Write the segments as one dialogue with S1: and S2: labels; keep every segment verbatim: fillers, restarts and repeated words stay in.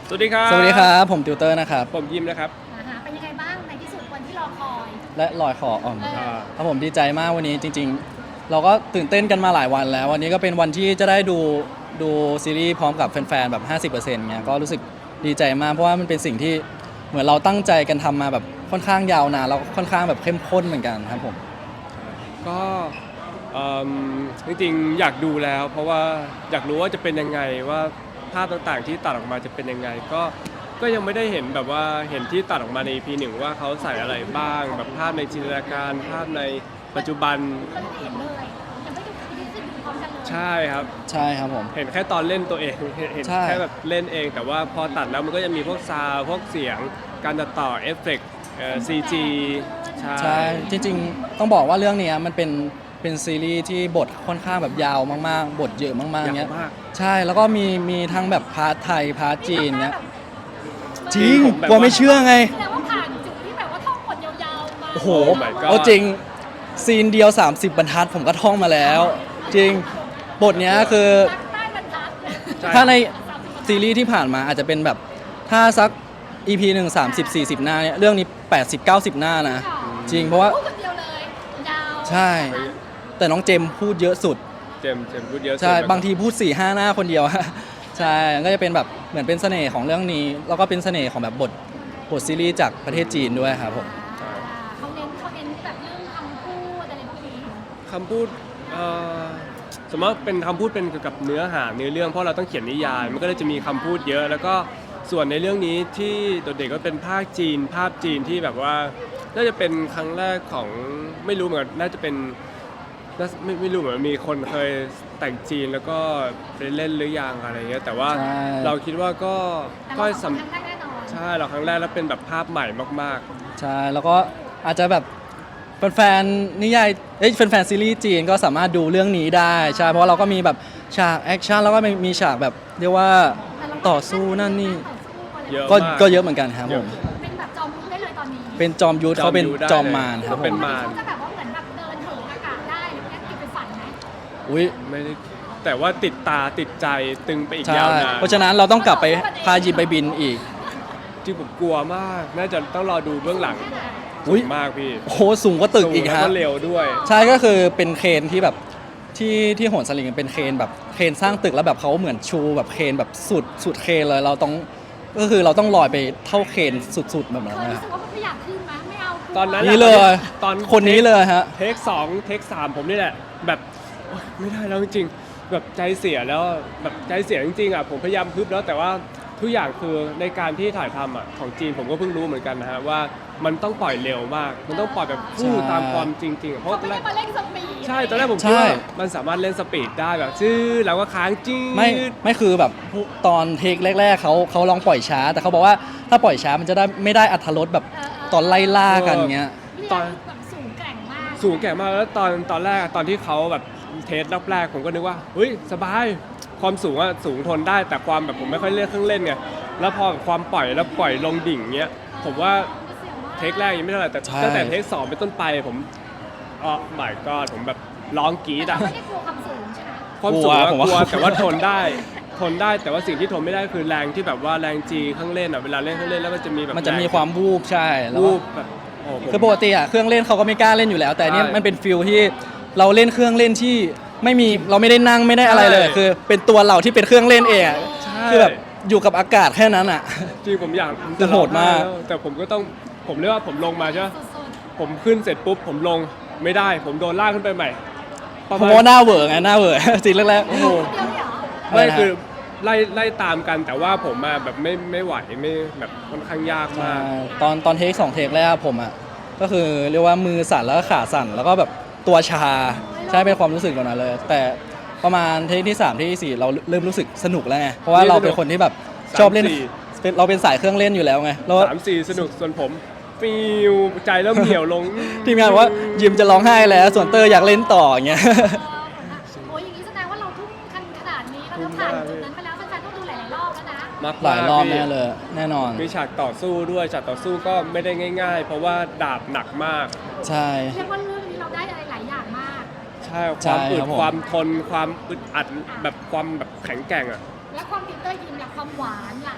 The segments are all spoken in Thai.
S1: สวัสดีครับ
S2: สวัสดีครับผมติวเตอร์นะครับ
S1: ผมยิมนะครับ
S3: อ่าฮะเป็นยังไงบ้างในที่สุดวันที่รอคอย
S2: และลอยคออ่อม
S3: เออ
S2: ครับผมดีใจมากวันนี้จริงๆ เราก็ตื่นเต้นกันมาหลายวันแล้ว วันนี้ก็เป็นวันที่จะได้ดูดูซีรีส์พร้อมกับแฟนๆแบบ ห้าสิบเปอร์เซ็นต์ เงี้ยก็รู้สึกดีใจมากเพราะว่ามันเป็นสิ่งที่เหมือนเราตั้งใจกันทำมาแบบค่อนข้างยาวนานแล้วค่อนข้างแบบเข้มข้นเหมือนกันครับผม
S1: ก็เอิ่มจริงๆอยากดูแล้ว เพราะว่าอยากรู้ว่าจะเป็นยังไงว่าภาพต่างๆที่ตัดออกมาจะเป็นยังไงก็ก็ยังไม่ได้เห็นแบบว่าเห็นที่ตัดออกมาใน อี พี หนึ่งว่าเขาใส่อะไรบ้างแบบภาพในจินตนาการภาพในปัจจุบัน
S3: ก็ไม่ได้เห็นเลยยังไม่ดูไม่ได้ดูพร้อมกันเลย
S1: ใช่ครับ
S2: ใช่ครับผม
S1: เห็นแค่ตอนเล่นตัวเองเห็นเห็น
S2: ใช่
S1: แค่แบบเล่นเอง แต่ว่าพอตัดแล้วมันก็จะมีพวกซาวด์พวกเสียงการตัดต่อเอฟเฟกต์ซีจีใช่
S2: ใช่จริงๆ ต้องบอกว่าเรื่องนี้มันเป็นเป็นซีรีส์ที่บทค่อนข้างแบบยาวมากๆ บทเยอะมากๆ
S1: ยาว
S2: เงี้ย
S1: มาก
S2: ใช่แล้วก็มีมีทั้งแบบพาร์ทไทยพาร์ทจีนเงี้ยจ
S1: จริ
S2: ริ
S1: ง
S2: ง
S1: ผมแบบ
S2: กลัวไม่เชื่อไง
S3: แสดงว่าผ่านจุดที่แบบว่าท่องบทยาวๆมา
S2: โอ้โห
S1: Oh my god
S2: เอาจริงซีนเดียว สามสิบ บรรทัดผมก็ท่องมาแล้ว จริงบทเนี้ยคือ
S3: รักใต้บรรทัด
S1: ใช่
S2: ถ้าในซีรีส์ที่ผ่านมาอาจจะเป็นแบบถ้าสัก อี พี หนึ่ง สามสิบ สี่สิบ หน้าเนี่ยเรื่องนี้ แปดสิบ เก้าสิบ หน้านะ จริงเพราะว่า
S3: พูดคนเดียวเลยยาว
S2: ใช่ แต่น้องเจมส์พูดเยอะสุด
S1: เจมส์เจมส์พูดเยอะสุด
S2: ใช่
S1: แล้วก็
S2: บางทีพูด สี่ห้า หน้าคนเดียว ใช่ก็จะเป็นแบบเหมือนเป็นเสน่ห์ของเรื่องนี้ แล้วก็เป็นเสน่ห์ของแบบบทบทซีรีส์จากประเทศจีนด้วยครับผม
S3: อ่าเขาเน้นเขาเน้นแบบเรื่องคำพูดอะไรพวกนี้
S1: คำพูดเอ่อสมมติเป็นคำพูดเป็นเกี่ยวกับเนื้อหาเนื้อเรื่องเพราะเราต้องเขียนนิยายมันก็เลยจะมีคำพูดเยอะ แล้วก็ส่วนในเรื่องนี้ที่โดดเด่นก็เป็นภาคจีน ภาพจีนที่แบบว่าน่าจะเป็นครั้งแรกของไม่รู้เหมือนกันน่าจะเป็นน่าไม่ไม่รู้เหมือนมีคนเคยแต่งจีนแล้วก็ไปเล่นหรือยังอะไรเงี้ยแต่ว่า
S2: ใช่
S1: เราคิดว่าก็
S3: แต่
S1: ก็
S3: เราส
S1: สำ
S3: องคนครั้งแรกแน่นอน
S1: ใช่เราครั้งแรกแล้วเป็นแบบภาพใหม่มาก
S2: ใช่แล้วก็อาจจะแบบแฟนๆนิยายเอ้ยแฟนๆซีรีส์จีนก็สามารถดูเรื่องนี้ได้ใช่เพราะว่าเราก็มีแบบฉากแอคชั่นแล้วก็มีมีฉากแบบเรียกว่าต่อสู้นั่นนี่
S1: ๆ เยอะ
S2: ก็
S1: มาก
S2: ก็เยอะเหมือนกันครับ
S1: เย
S2: ผ
S1: อะ
S2: ม
S3: เป็นแบบจอมยุทธได้เลยตอนนี้
S2: เป็นจอมยุทธเขาเป็นจอมมารครับ
S1: เขา
S2: ผ
S1: เป็น
S2: ม
S1: มาร
S3: เขาจะแบบว่าเหมือนแบบเดินเถิงอากาศได้แล้วเนี่ยติดไปฝันไหม
S2: อุ้ย
S1: ไม่ได้แต่ว่าติดตาติดใจตึงไปอีก
S2: ใช่
S1: ยาวนาน
S2: เพราะฉะนั้นเราต้องกลับไปพายิมไปบินอีก
S1: ที่ผมกลัวมาก น่าจะต้องรอดูเบื้องหลัง
S2: อุ๊ย
S1: สูงมากพี่
S2: โอ้โหสูงกว่าตึกอีก
S1: สูง
S2: ฮะ
S1: แล้วก็เร็วด้วย
S2: ใช่ก็คือเป็นเครนที่แบบที่ที่โหนสลิงเป็นเครนแบบเครนสร้างตึกแล้วแบบเขาเหมือนชูแบบเครนแบบสุดสุดเครนเลยเราต้องก็คือเราต้องลอยไปเท่าเครนสุดๆแบบนั้น
S3: เคย
S2: นะ
S3: รู้สึกว่ามันไม่อยากขึ้นไหมไม่เอา
S1: ตอนนั้น
S2: นี่เลย
S1: ตอน
S2: คนนี้เลยฮะ
S1: เทคสองเทคสามผมนี่แหละ แบบโอ๊ยไม่ได้แล้วจริงๆแบบใจเสียแล้วแบบใจเสียจริงๆอ่ะผมพยายามพึบแล้วแต่ว่าทุกอย่างคือในการที่ถ่ายทำอ่ะของจีนผมก็เพิ่งรู้เหมือนกันนะฮะว่ามันต้องปล่อยเร็วมาก มันต้องปล่อยแบบฟู่
S2: ใช่
S1: ตามความจริงๆอะเพราะ
S3: เขา
S1: ตอน
S3: ไม่
S1: แร
S3: ได้
S1: ก
S3: มาเล่นสปีด
S1: ใช่ตอนแรกผม
S2: ใช่
S1: คิดว่ามันสามารถเล่นสปีดได้แบบชื่อแล้วก็ค้างจืด
S2: ไม่ไม่คือแบบตอนเทคแรกๆเขาเขาลองปล่อยช้า แต่เขาบอกว่าถ้าปล่อยช้ามันจะได้ไม่ได้อัธรสแบบตอนไล่ล่ากันเงี้ย
S3: ตอนแบบสูงแกร่งมาก
S1: สูงแก่มากแล้วตอนตอนแรกตอนที่เขาแบบเทสรอบแรกผมก็นึกว่าเฮ้ยสบายความสูงอะสูงทนได้แต่ความแบบผมไม่ค่อยเล่นเครื่องเล่นไงแล้วพอความปล่อยแล้วปล่อยลงดิ่งเงี้ยผมว่าเทคแรกยังไม่เท่าไหร่แต่
S2: ใช่
S1: ตั้งแต่เทคสองเป็นต้นไปผมอ๋อ my god ผมแบบร้องกรี๊ด
S3: แต่
S1: อะ
S3: ไม่ได้กลัวความสูงใช่ไหม
S1: ความสูงอะ
S2: กลัวผม
S1: กลัว
S2: ว่า
S1: แต่ว่าทนได้ทนได้แต่ว่าสิ่งที่ทนไม่ได้คือแรงที่แบบว่าแรงจีเครื่องเล่นอะเวลาเล่นเครื่องเล่นแล้วมันจะมีแบบ
S2: มันจะมีความวูบใช่แล้ว
S1: วู
S2: ก็
S1: บแบบโอ้ผม
S2: คือปกติอ่ะเครื่องเล่นเขาก็ไม่กล้าเล่นอยู่แล้ว แต่อันนี่
S1: ใช่
S2: มันเป็นฟิลที่เราเล่นเครื่องเล่นที่ไม่มีเราไม่ได้นั่งไม่ได้อะไรเลย
S1: ใช่
S2: คือเป็นตัวเราที่เป็นเครื่องเล่นเองอะ
S1: ใช่
S2: คือแบบอยู่กับอากาศแค่นั้นอ่ะ
S1: จริงผมอยากผม
S2: คือโหดมาก
S1: แล้วแต่ผมก็ต้องผมเรียกว่าผมลงมาใช่ไหม
S3: สุด
S1: ผมขึ้นเสร็จปุ๊บผมลงไม่ได้ ผมโดนลากขึ้นไปใหม่ประ
S2: เพ
S1: มาณ
S2: ราะว่าหน้าเหวอไงหน้าเหวอ จริงแรก
S1: โอ้โห
S3: ๆเดียวเหรอ
S2: อะไร
S1: ไม่
S2: นะ
S1: คือไล่ไล่ตามกันแต่ว่าผมมาแบบไม่ไม่ไหวไม่แบบค่อนข้างยาก
S2: ๆ
S1: มาก
S2: ใช่ตอนตอนเทคสองเทคแรกผมอ่ะก็คือเรียกว่ามือสั่นแล้วก็ขาสั่นแล้วก็แบบตัวชาใช่เป็นความรู้สึกแบบนั้นเลย แต่ประมาณเทคที่สามเทคที่สี่เราเริ่มรู้สึกสนุกแล้วไงเพราะว่าเราเป็นคนที่แบบชอบเล่น
S1: สามสี่
S2: เป็นเราเป็นสายเครื่องเล่นอยู่แล้วไงแล้ว
S1: สามสี่สนุกส่วนผมฟิวใจเริ่มเหี่ยวลง
S2: ทีมงานบอกว่ายิมจะร้องไห้แล้ว ส่วนเตอร์อยากเล่นต่ออย่างเงี้ย
S3: เออโอ้ยอย่างนี้แสดงว่าเราทุ่มคันขนาดนี้เราต้องผ่านจุดนั้นไปแล้วแฟนๆต้องดูหลายๆรอบแล้วนะ
S1: มาก
S2: หลายรอบ
S1: พี่
S2: แน่เลยแน่นอน
S1: มีฉากต่อสู้ด้วยฉากต่อสู้ก็ไม่ได้ง่าย ๆ เพราะว่าดาบหนักมาก
S2: ใช่
S3: เรียกว่าเรื่องนี้เราได้อะไรหลายอย่างมาก
S1: ใช่
S2: ใช่
S1: ความอึ
S2: ครั
S1: ด
S2: บผม
S1: ความทนความอึดอัดแบบความแบบแข็งแกร่งอ่ะ
S3: และความติดเตอร์ยิมล่ะความหวานล่ะเออ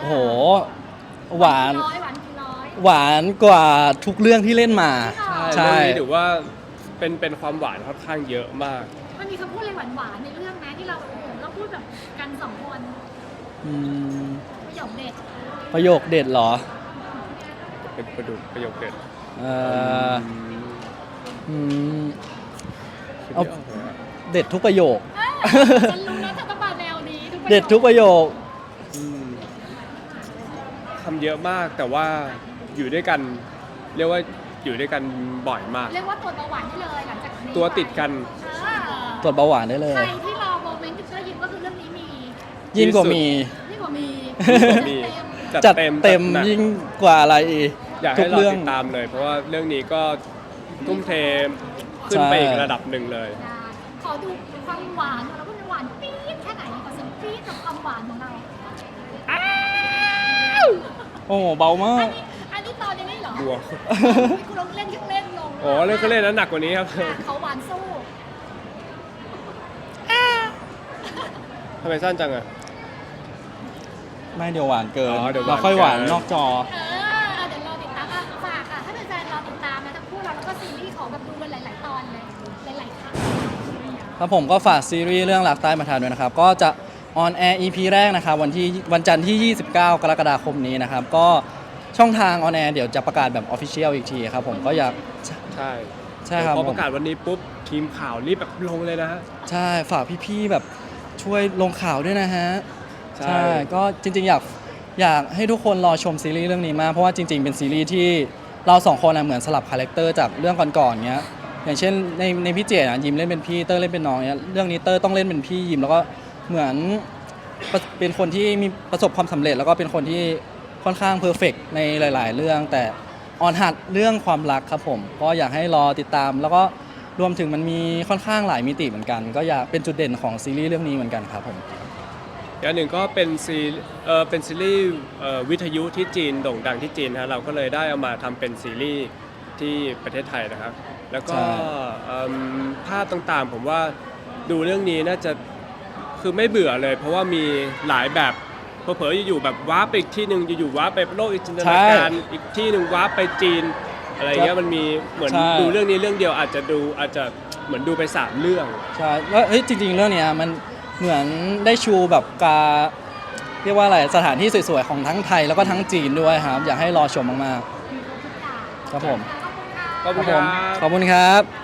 S2: โอ้โหหวาน
S3: ร้อยหวานกี่ร้อย
S2: หวานกว่าทุกเรื่องที่เล่นมา
S1: ใช่เรื่องนี้ถือว่าเป็นเป็นความหวานค่อนข้างเยอะมาก
S3: มันมีคำพูดอะไรหวานๆในเรื่องไหมที่เราโอ้โหเราพูดแบบกันสองคน
S2: อืม
S3: ประโยคเด็ด
S2: ประโยคเด็ดเหรอ
S1: เป็นประดุประโยคเด็ด
S2: เอ่ออืม
S1: คิด
S2: เอา
S1: ไม่ออกเลยอะ
S2: เด็ดทุกประโยค
S3: เออฉันรู้นะเธอต้องมาแนวนี้ทุกประโยค
S2: เด็ดทุกประโยค
S1: อืมทำเยอะมากแต่ว่าอยู่ด้วยกัน เรียกว่าอยู่ด้วยกันบ่อยมาก
S3: เรียกว่าตรวจเบาหวานได้เลยหลังจากนี้
S1: ตัวติดกัน
S3: เออ
S2: ตรวจเบาหวานได้เลย
S3: ใครที่รอโมเมนต์ที่จะได้ยินก็คือเรื่องนี้มี
S2: ยิ่งกว่ามี
S3: ยิ่งกว่ามี
S1: มี
S3: เต็ม
S2: จัดเต็ม
S1: จัดหนัก
S2: ยิ่งกว่าอะไรอีก
S1: อยาก
S2: ทุ
S1: ให้
S2: ก
S1: เรา
S2: เรื่อง
S1: ติดตามเลย เพราะว่าเรื่องนี้ก็ทุ่มเทขึ้นไป
S2: ใช่
S1: อีกระดับหนึ่งเลย
S3: ได้ขอดูความหวานของเราพูดหวานปี๊ดแค่ไหนขอเสียงปี๊ดกับความหวานของเรา
S2: โอ้โหเบามาก
S3: อันนี้อันนี้ตอนนี้ไม่เหรอ
S1: บัว
S3: คุณลองเล่นเครื่องเล่นลง
S1: อ๋อเล่นเขาเล่นนั้นหนักกว่านี้ครับ
S3: อ่ะเขาหวานสู้
S1: ทำไมสั้นจังอ่ะ
S2: ไม่เดี๋ยวหวานเกิน
S1: อ๋อเดี๋ยวหวาน
S2: เราค่อยหวาน
S1: เกิน
S2: นอกจอ
S3: เออเดี๋ยวรอติดตามอ่ะฝากค่ะถ้าเป็นแฟนรอติดตามนะทั้งคู่เราแล้วก็ซีรีส์ของแบบดูกันหลาย ๆ ตอนเลยหลาย ๆ ครั้ง
S2: ครับผมก็ฝากซีรีส์เรื่องรักใต้มาทานด้วยนะครับ ก็จะออนแอร์ อี พี แรกนะครับวันที่วันจันทร์ที่ ยี่สิบเก้า กรกฎาคมนี้นะครับ ก็ช่องทางออนแอร์เดี๋ยวจะประกาศแบบออฟฟิเชียลอีกทีครับผมก็อยาก
S1: ใช่
S2: ใช่ครับ
S1: พอประกาศวันนี้ปุ๊บทีมข่าวรีบแบบลงเลยนะฮะ
S2: ใช่ฝากพี่ๆแบบช่วยลงข่าวด้วยนะฮะ
S1: ใช่
S2: ก็จริงๆอยากอยากให้ทุกคนรอชมซีรีส์เรื่องนี้มากเพราะว่าจริง ๆ เป็นซีรีส์ที่เราสองคนอะเหมือนสลับคาแรคเตอร์จากเรื่องก่อนๆเงี้ยอย่างเช่นในในพี่เจอะยิมเล่นเป็นพี่เตอร์เล่นเป็นน้องเนี้ยเรื่องนี้เตอร์ต้องเล่นเป็นพี่ยิมแล้วก็เหมือนประเป็นคนที่มีประสบความสำเร็จ แล้วก็เป็นคนที่ค่อนข้างเพอร์เฟกในหลาย ๆ เรื่อง แต่ออนหัดเรื่องความรักครับผมก็อยากให้รอติดตาม แล้วก็รวมถึงมันมีค่อนข้างหลายมิติเหมือนกัน ก็อยากเป็นจุดเด่นของซีรีส์เรื่องนี้เหมือนกันครับผม
S1: อย่างหนึ่งก็เป็นซีเออเป็นซีรีส์เอ่อวิทยุที่จีนโด่งดังที่จีนนะฮะเราก็เลยได้เอามาทำเป็นซีรีส์ที่ประเทศไทยนะครับ แล้วก็
S2: ใช่
S1: เอิ่มภาพต่างๆ ผมว่าดูเรื่องนี้น่าจะคือไม่เบื่อเลย เพราะว่ามีหลายแบบเผลอๆอยู่ๆแบบว้าร์ปไปอีกที่หนึ่งอยู่ๆว้าร์ปไปโลกอีกจินตนาการอีกที่หนึ่งว้าร์ปไปจีนอะไรเงี้ยมันมีเหมือน
S2: ใช่
S1: ดูเรื่องนี้เรื่องเดียวอาจจะดูอาจจะเหมือนดูไปสามเรื่อง
S2: ใช่แล้วเฮ้ยจริงๆ เรื่องเนี้ยมันเหมือนได้ชูแบบการเรียกว่าอะไรสถานที่สวยๆ ของทั้งไทยแล้วก็ทั้งจีนด้วยครับ อยากให้รอชมมากๆ ครับผม
S3: ขอบคุณค่ะ
S1: ขอบคุณครับ
S2: ขอบคุณครับ